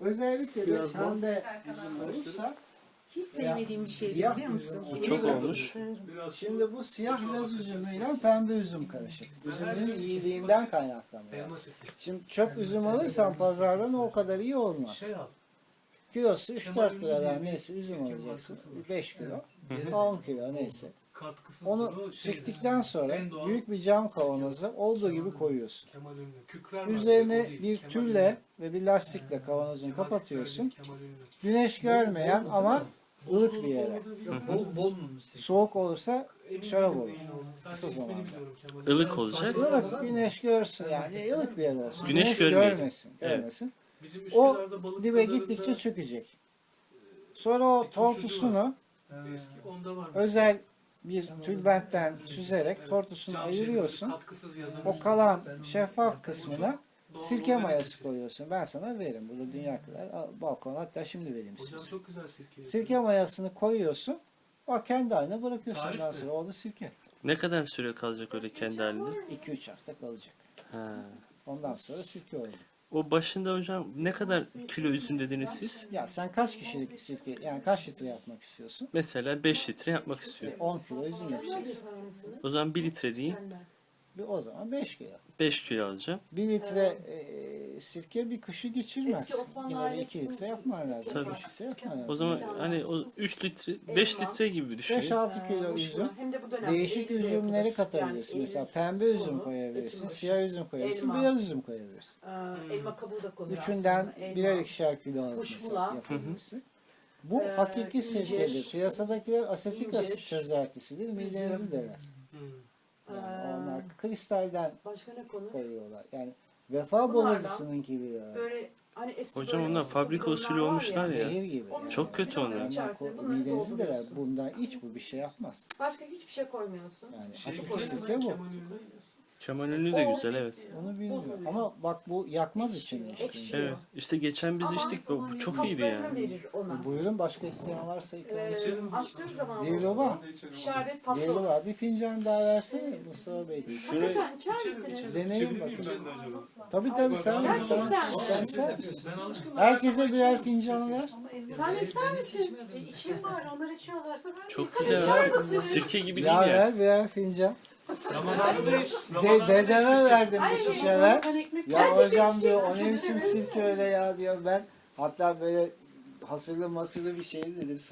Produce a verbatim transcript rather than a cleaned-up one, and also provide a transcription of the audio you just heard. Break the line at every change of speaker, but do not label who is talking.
Özellikle de
Biraz bol.
pembe üzüm olursa
Hiç sevmediğim bir şey
siyah
biliyor musun?
üzüm.
Bu çok olmuş.
Biraz
Şimdi bu siyah laz üzümüyle pembe üzüm karışık. Üzümün iyiliğinden kaynaklanıyor.
elma sirkesi.
Şimdi çöp üzüm alırsan pazardan o kadar iyi olmaz.
Şey al.
Kilosu üç dört liradan neyse üzüm alacaksın. beş kilo, on kilo neyse.
Katkısız
Onu
bunu şey-
çektikten sonra
en doğal
büyük bir cam kavanoza olduğu gibi koyuyorsun.
Kemal Ünlü. Kükrer var,
Üzerine
o değil,
bir
Kemal
tülle
Ünlü.
ve bir lastikle kavanozunu
Kemal
kapatıyorsun.
Kükrer, Kemal Ünlü.
Güneş görmeyen ama ılık bir yere.
Bol, bol mu?
Soğuk olursa
Emin
şarap
değilim
olur.
neyin olduğunu. Sadece
Kısa
ismini
zamanda.
biliyorum Kemal
Ilık
Ünlü.
olacak.
ılık güneş görsün yani ılık bir yer olsun.
Güneş görmeyelim.
görmesin,
Evet.
görmesin.
Bizim
O
Üsküdar'da balık
dibe
pazarında
gittikçe çökecek. Sonra o tortusunu
eski onda var.
özel bir tülbentten süzerek tortusunu
Cam
ayırıyorsun.
şeklinde katkısız yazan
O
üzüm.
kalan şeffaf kısmına
Doğal
sirke
olmayan bir
mayası
şey.
koyuyorsun. Ben sana veririm. Burada dünya kadar. Al, balkona hatta şimdi vereyim
Hocam
size.
çok güzel sirke.
Sirke mayasını koyuyorsun. O kendi haline bırakıyorsun.
Tarif
Ondan
mi?
sonra oldu sirke.
Ne kadar süre kalacak öyle kendi halinde?
iki üç hafta kalacak.
Ha.
Ondan sonra sirke oldu.
O başında hocam ne kadar kilo üzüm dediniz siz?
Ya sen kaç kişilik sirke, yani kaç litre yapmak istiyorsun?
Mesela beş litre yapmak
E,
istiyorum.
on kilo üzüm yapacaksın.
O zaman bir litre diyeyim.
Bir, o zaman beş kilo.
beş kilo alacağım.
bir litre e, sirke bir kışı geçirmez.
Eski Osmanlı
Yine bir iki
ailesinin-
litre yapman lazım.
Tabii.
üç litre yapman lazım.
O zaman hani o üç litre, beş litre gibi düşünün.
beş altı kilo üzüm.
Hem de bu dönemde
Değişik
Eylül'de
üzümleri
yapılır.
katabilirsin.
Yani
Mesela
Eylül
pembe üzüm
sonu,
koyabilirsin,
Ekim başı.
siyah üzüm koyabilirsin,
Elma.
beyaz üzüm koyabilirsin.
Ee, elma kabuğu da konur
Üçünden
aslında. Elma.
birer ikişer kilo alıp
kuşbula.
mesela yapabilirsin. Bu
Ee,
hakiki
incir,
sirkedir. Piyasadakiler asetik
incir,
asit çözeltisidir. Midenizi deler.
Hmm.
Yani
Ee,
onlar kristalden
Başka ne konur?
koyuyorlar. Yani vefa
Bunlardan
bozacısının gibi.
Böyle hani eski
Hocam
böyle
onlar
uslu
fabrika
bidonlar
usulü
var
olmuşlar ya.
Zehir gibi.
Onun
yani.
Çok kötü
bidonların
onlar.
içerisine
Onlar
bunları
midenizi deler.
dolduruyorsun.
Bundan iç bu bir şey yapmaz.
Başka hiçbir şey koymuyorsun.
Yani
Şey
hakiki
güzel mi?
sirke bu.
Kemal Ünlü.
Kemal Ünlü de güzel evet.
Onu bilmiyorum. Ama bak bu yakmaz içini işte.
Ekşi.
Evet. İşte geçen biz
Ama
içtik. Bu bu çok iyiydi
Tatlarını
yani.
verir ona.
Buyurun başka isteyen varsa ikram
Ee,
edin.
açtığın zaman
Değil baba.
şerbet tatlı
Değerli
olur.
var. Bir fincan daha versene Mustafa Bey.
Şuraya
Hakikaten içer
İçerim,
misiniz?
içerim.
Deneyin
İçebilir miyim
bakın.
ben de acaba?
Tabii tabii sen, sen,
Gerçekten.
sen ister misin?
Ben alışkınım.
Herkese birer fincan ver.
Sen ister misin? E, içeyim bari. Onlar içiyorlarsa ben de
Çok
yıkarım.
güzel.
İçer
ha.
misin?
Sirke gibi
Ya
değil ya.
ver birer fincan.
Ramazan'da da iç.
De,
Ramazan'da da
dedeme
içmiştik.
verdim
Ay,
bir şişeler.
ben ekmek
Ya
gerçekten
hocam
içeyim.
diyor o ne biçim sirke öyle ya diyor ben. Hatta böyle hasırlı masırlı bir şey dedim.